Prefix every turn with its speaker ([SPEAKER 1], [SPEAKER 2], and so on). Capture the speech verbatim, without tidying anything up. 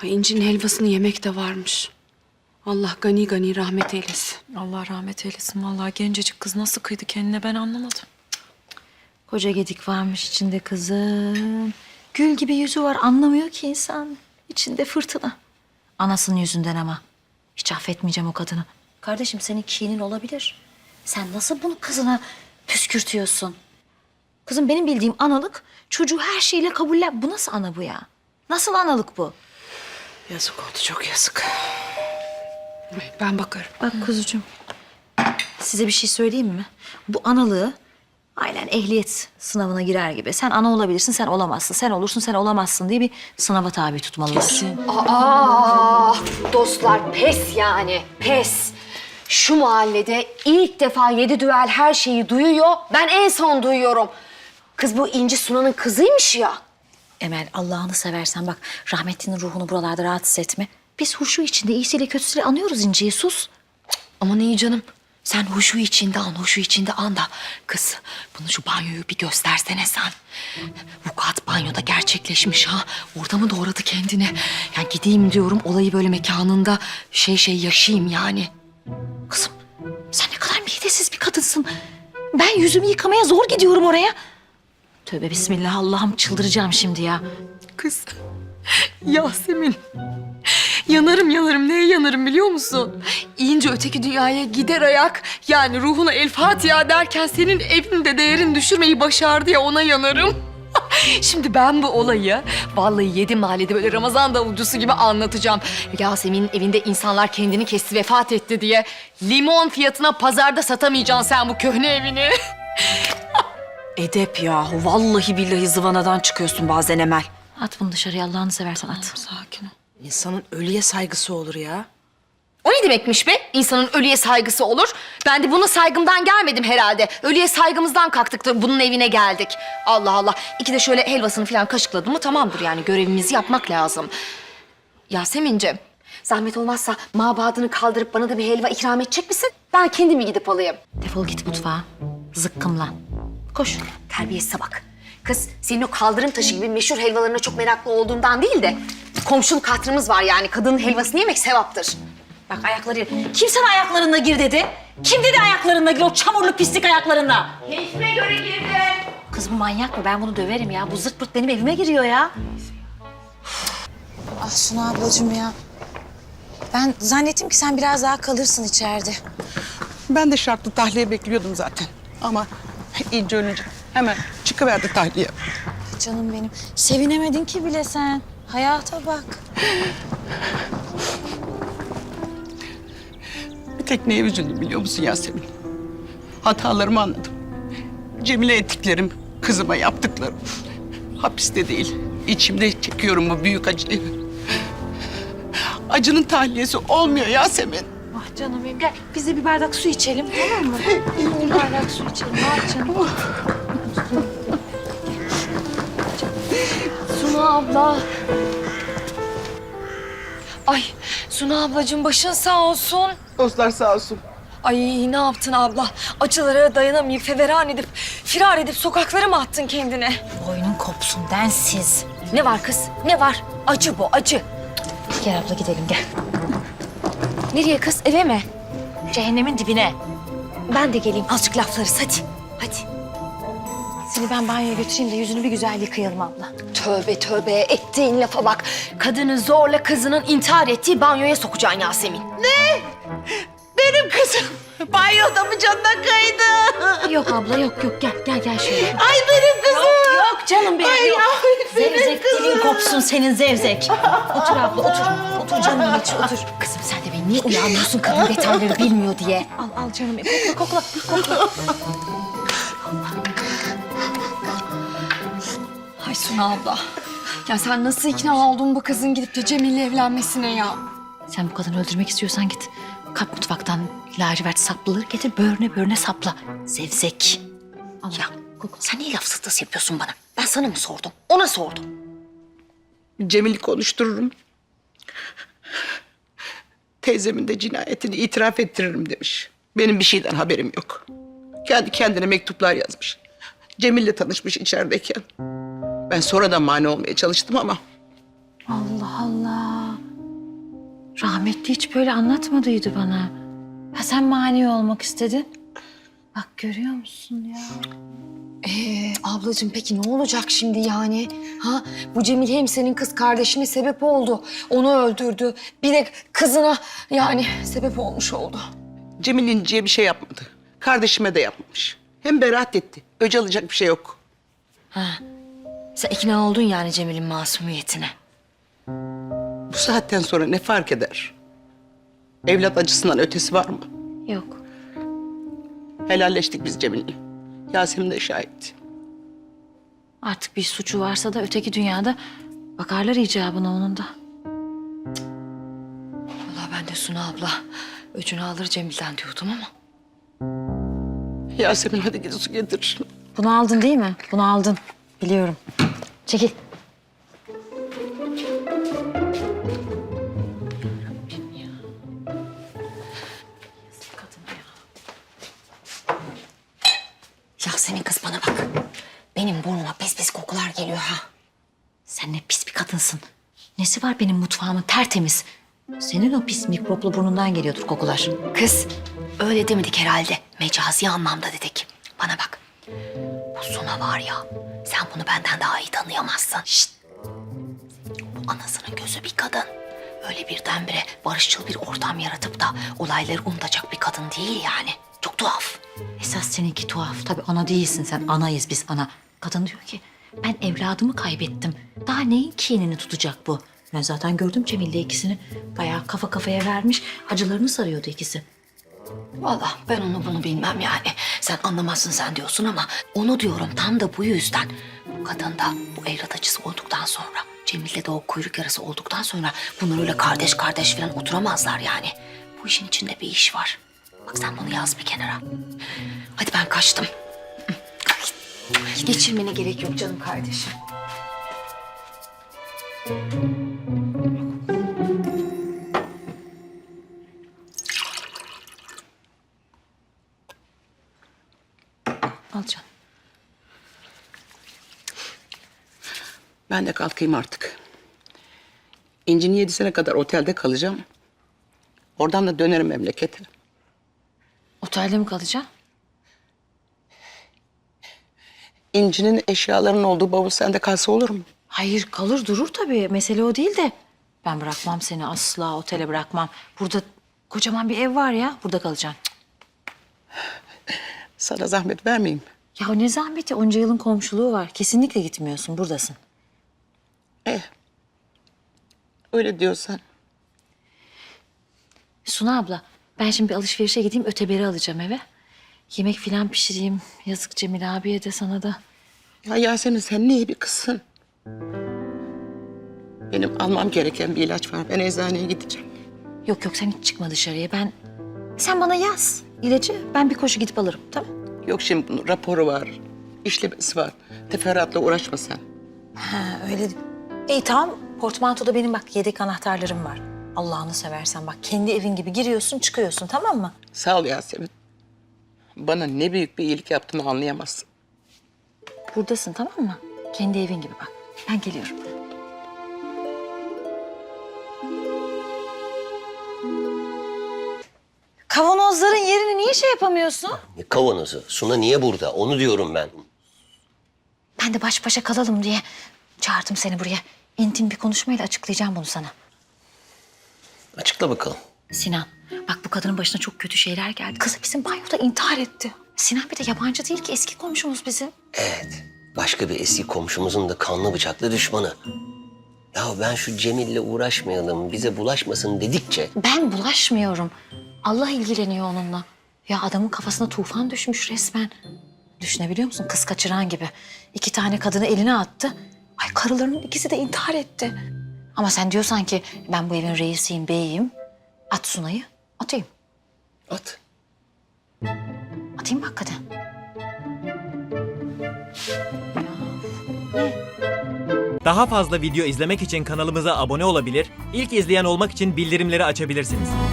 [SPEAKER 1] Ay, İnci'nin helvasını yemek de varmış. Allah gani gani rahmet eylesin.
[SPEAKER 2] Allah rahmet eylesin. Vallahi gencecik kız nasıl kıydı kendine ben anlamadım.
[SPEAKER 3] Koca gedik varmış içinde kızım. Gül gibi yüzü var, anlamıyor ki insan. İçinde fırtına. Anasının yüzünden ama. Hiç affetmeyeceğim o kadını. Kardeşim senin kinin olabilir. Sen nasıl bunu kızına püskürtüyorsun? Kızım benim bildiğim analık çocuğu her şeyle kabuller. Bu nasıl ana bu ya? Nasıl analık bu?
[SPEAKER 1] Yazık oldu, çok yazık. Ay, ben bakarım.
[SPEAKER 3] Bak kuzucuğum, size bir şey söyleyeyim mi? Bu analığı aynen ehliyet sınavına girer gibi. Sen ana olabilirsin, sen olamazsın. Sen olursun, sen olamazsın diye bir sınava tabi tutmalısın.
[SPEAKER 4] Aa, dostlar pes yani, pes. Şu mahallede ilk defa yedi düvel her şeyi duyuyor. Ben en son duyuyorum. Kız bu İnci Sunan'ın kızıymış ya.
[SPEAKER 3] Emel, Allah'ını seversen bak, rahmetlinin ruhunu buralarda rahatsız etme. Biz huşu içinde iyisiyle kötüsüyle anıyoruz İnci'yi, sus.
[SPEAKER 4] Aman iyi canım. Sen huşu içinde an, huşu içinde an da. Kız, bunu şu banyoyu bir göstersene sen. Vukuat banyoda gerçekleşmiş ha. Orada mı doğradı kendini? Yani gideyim diyorum, olayı böyle mekanında şey şey yaşayayım yani.
[SPEAKER 3] Kızım, sen ne kadar midesiz bir kadınsın. Ben yüzümü yıkamaya zor gidiyorum oraya. Tövbe bismillah, Allah'ım çıldıracağım şimdi ya.
[SPEAKER 2] Kız. Yasemin. Yanarım yanarım. Neye yanarım biliyor musun? İnce öteki dünyaya gider ayak. Yani ruhuna el Fatiha derken senin evinde değerini düşürmeyi başardı ya, ona yanarım. Şimdi ben bu olayı vallahi yedi mahallede böyle Ramazan davulcusu gibi anlatacağım. Yasemin'in evinde insanlar kendini kesti, vefat etti diye limon fiyatına pazarda satamayacaksın sen bu köhne evini.
[SPEAKER 5] Edep yahu. Vallahi billahi zıvanadan çıkıyorsun bazen Emel.
[SPEAKER 3] At bunu dışarıya, Allah'ını seversen at.
[SPEAKER 2] Sakin ol.
[SPEAKER 5] İnsanın ölüye saygısı olur ya.
[SPEAKER 4] O ne demekmiş be? İnsanın ölüye saygısı olur. Ben de buna saygımdan gelmedim herhalde. Ölüye saygımızdan kalktık da bunun evine geldik. Allah Allah. İki de şöyle helvasını falan kaşıkladım mı tamamdır yani. Görevimizi yapmak lazım. Yasemin'ciğim, zahmet olmazsa mabadını kaldırıp bana da bir helva ikram edecek misin? Ben kendimi gidip alayım.
[SPEAKER 3] Defol git mutfağa, zıkkımlan. Koş.
[SPEAKER 4] Terbiyesize bak. Kız, senin o kaldırım taşı gibi meşhur helvalarına çok meraklı olduğundan değil de... komşuluk hatırımız var yani. Kadının helvasını yemek sevaptır.
[SPEAKER 3] Bak ayakları, kim sana ayaklarında gir dedi? Kim dedi ayaklarında gir, o çamurlu pislik ayaklarında?
[SPEAKER 4] Keyfime göre girdim.
[SPEAKER 3] Kız bu manyak mı? Ben bunu döverim ya. Bu zırt pırt benim evime giriyor ya.
[SPEAKER 6] Ah Suna ablacığım ya. Ben zannettim ki sen biraz daha kalırsın içeride.
[SPEAKER 7] Ben de şartlı tahliye bekliyordum zaten. Ama İnci ölünce hemen çıkıverdi tahliye.
[SPEAKER 6] Canım benim. Sevinemedin ki bile sen. Hayata bak.
[SPEAKER 7] Bir tek neye üzüldüm biliyor musun Yasemin? Hatalarımı anladım. Cemile ettiklerim, kızıma yaptıklarım. Hapiste değil, içimde çekiyorum bu büyük acıyı. Acının tahliyesi olmuyor Yasemin.
[SPEAKER 6] Ah canım benim. Gel biz de bir bardak su içelim tamam mı? bir bardak su içelim. Ah canım.
[SPEAKER 4] Suna abla. Ay Suna ablacığım başın sağ olsun.
[SPEAKER 7] Dostlar sağ olsun.
[SPEAKER 2] Ay ne yaptın abla? Acılara dayanamayıp feveran edip, firar edip sokaklara mı attın kendine?
[SPEAKER 3] Boynun kopsun densiz.
[SPEAKER 4] Ne var kız? Ne var? Acı bu, acı.
[SPEAKER 3] Gel abla gidelim gel.
[SPEAKER 4] Nereye kız? Eve mi?
[SPEAKER 3] Cehennemin dibine.
[SPEAKER 4] Ben de geleyim. Azıcık laflarız hadi. Hadi.
[SPEAKER 6] Seni ben banyoya götüreyim de yüzünü bir güzel yıkayalım abla.
[SPEAKER 4] Tövbe tövbe ettiğin lafa bak. Kadını zorla kızının intihar ettiği banyoya sokacaksın Yasemin.
[SPEAKER 7] Benim kızım banyoda mı canına kaydı?
[SPEAKER 3] Yok abla yok yok gel gel gel şöyle.
[SPEAKER 7] Ay benim kızım.
[SPEAKER 3] Yok canım benim
[SPEAKER 7] Ay
[SPEAKER 3] yok.
[SPEAKER 7] ya,
[SPEAKER 3] Zevzek dilin kopsun senin zevzek. Otur abla otur. Otur canım içi otur.
[SPEAKER 4] Kızım sen de beni niye uyarmıyorsun kadın detayları bilmiyor diye.
[SPEAKER 6] Al al canım benim. Kokla kokla kokla.
[SPEAKER 2] Ay Suna abla. Ya sen nasıl ikna oldun bu kızın gidip de Cemil'le evlenmesine ya?
[SPEAKER 3] Sen bu kadını öldürmek istiyorsan git. Kap mutfaktan lacivert saplıları getir böğrüne böğrüne sapla. Zevzek.
[SPEAKER 4] Ya sen niye laf sıtası yapıyorsun bana? Ben sana mı sordum? Ona sordum.
[SPEAKER 7] Cemil'i konuştururum. Teyzemin de cinayetini itiraf ettiririm demiş. Benim bir şeyden haberim yok. Kendi kendine mektuplar yazmış. Cemil'le tanışmış içerideyken. Ben sonradan mani olmaya çalıştım ama
[SPEAKER 6] Allah Allah.
[SPEAKER 3] Rahmetli hiç böyle anlatmadıydı bana. Ha sen mani olmak istedin. Bak görüyor musun ya?
[SPEAKER 4] Ee, ablacığım peki ne olacak şimdi yani? Ha, bu Cemil hem senin kız kardeşine sebep oldu. Onu öldürdü. Bir de kızına yani sebep olmuş oldu.
[SPEAKER 7] Cemil İnci'ye bir şey yapmadı. Kardeşime de yapmamış. Hem beraat etti. Öc alacak bir şey yok.
[SPEAKER 4] Sen ikna oldun yani Cemil'in masumiyetine.
[SPEAKER 7] Bu saatten sonra ne fark eder? Evlat acısından ötesi var mı?
[SPEAKER 3] Yok.
[SPEAKER 7] Helalleştik biz Cemil'le. Yasemin de şahit.
[SPEAKER 3] Artık bir suçu varsa da öteki dünyada bakarlar icabına onun da.
[SPEAKER 4] Vallahi ben de Suna abla öcünü alır Cemil'den diyordum ama.
[SPEAKER 7] Yasemin hadi git su getir.
[SPEAKER 3] Bunu aldın değil mi? Bunu aldın. Biliyorum. Çekil.
[SPEAKER 4] Yasemin kız bana bak. Benim burnuma pis pis kokular geliyor ha.
[SPEAKER 3] Sen ne pis bir kadınsın. Nesi var benim mutfağımın tertemiz. Senin o pis mikroplu burnundan geliyordur kokular.
[SPEAKER 4] Kız öyle demedik herhalde. Mecazi anlamda dedik. Bana bak. Bu Suna var ya. Sen bunu benden daha iyi tanıyamazsın. Şşt. Bu anasının gözü bir kadın. Öyle birdenbire barışçıl bir ortam yaratıp da olayları unutacak bir kadın değil yani. Çok tuhaf.
[SPEAKER 3] Esas seninki tuhaf. Tabii ana değilsin sen. Anayız biz ana. Kadın diyor ki ben evladımı kaybettim. Daha neyin kinini tutacak bu? Ben zaten gördüm Cemil'le ikisini. Bayağı kafa kafaya vermiş. Acılarını sarıyordu ikisi.
[SPEAKER 4] Vallahi ben onu bunu bilmem yani. Sen anlamazsın sen diyorsun ama onu diyorum tam da bu yüzden. Bu kadın da bu evlat acısı olduktan sonra, Cemil'le de o kuyruk yarası olduktan sonra bunlar öyle kardeş kardeş falan oturamazlar yani. Bu işin içinde bir iş var. Bak sen bunu yaz bir kenara. Hadi ben kaçtım. Geçirmene gerek yok canım kardeşim.
[SPEAKER 3] Al canım.
[SPEAKER 7] Ben de kalkayım artık. İnci'nin yedisine kadar otelde kalacağım. Oradan da dönerim memlekete.
[SPEAKER 3] Otelde mi kalacaksın?
[SPEAKER 7] İnci'nin eşyalarının olduğu bavul sende kalsa olur mu?
[SPEAKER 3] Hayır kalır durur tabii. Mesele o değil de. Ben bırakmam seni asla otele bırakmam. Burada kocaman bir ev var ya. Burada kalacaksın.
[SPEAKER 7] Sana zahmet vermeyeyim.
[SPEAKER 3] Ya ne zahmeti onca yılın komşuluğu var. Kesinlikle gitmiyorsun buradasın.
[SPEAKER 7] Eh. Öyle diyorsan.
[SPEAKER 3] Suna abla ben şimdi bir alışverişe gideyim öteberi alacağım eve. Yemek filan pişireyim. Yazık Cemil abiye de sana da.
[SPEAKER 7] Ya Yasemin sen ne iyi bir kızsın. Benim almam gereken bir ilaç var. Ben eczaneye gideceğim.
[SPEAKER 3] Yok yok sen hiç çıkma dışarıya. Ben sen bana yaz ilacı. Ben bir koşu gidip alırım tamam.
[SPEAKER 7] Yok şimdi bunun raporu var. İşlemesi var. Teferruatla uğraşma sen.
[SPEAKER 3] Ha öyle. İyi tamam. Portmantoda benim bak yedek anahtarlarım var. Allah'ını seversen bak kendi evin gibi giriyorsun çıkıyorsun tamam mı?
[SPEAKER 7] Sağ ol Yasemin. Bana ne büyük bir iyilik yaptığını anlayamazsın.
[SPEAKER 3] Buradasın tamam mı? Kendi evin gibi bak. Ben geliyorum. Kavanozların yerini niye şey yapamıyorsun?
[SPEAKER 8] Ne kavanozu? Suna niye burada? Onu diyorum ben.
[SPEAKER 3] Ben de baş başa kalalım diye çağırdım seni buraya. İntim bir konuşmayla açıklayacağım bunu sana.
[SPEAKER 8] Açıkla bakalım.
[SPEAKER 3] Sinan, bak bu kadının başına çok kötü şeyler geldi. Kızı bizim banyoda intihar etti. Sinan bir de yabancı değil ki eski komşumuz bizim.
[SPEAKER 8] Evet. Başka bir eski komşumuzun da kanlı bıçaklı düşmanı. Ya ben şu Cemil'le uğraşmayalım, bize bulaşmasın dedikçe...
[SPEAKER 3] Ben bulaşmıyorum. Allah ilgileniyor onunla. Ya adamın kafasına tufan düşmüş resmen. Düşünebiliyor musun? Kız kaçıran gibi. İki tane kadını eline attı. Ay karılarının ikisi de intihar etti. Ama sen diyorsan ki ben bu evin reisiyim, beyiyim. At Sunay'ı, atayım.
[SPEAKER 8] At.
[SPEAKER 3] Atayım mı hakikaten?
[SPEAKER 9] Daha fazla video izlemek için kanalımıza abone olabilir, ilk izleyen olmak için bildirimleri açabilirsiniz.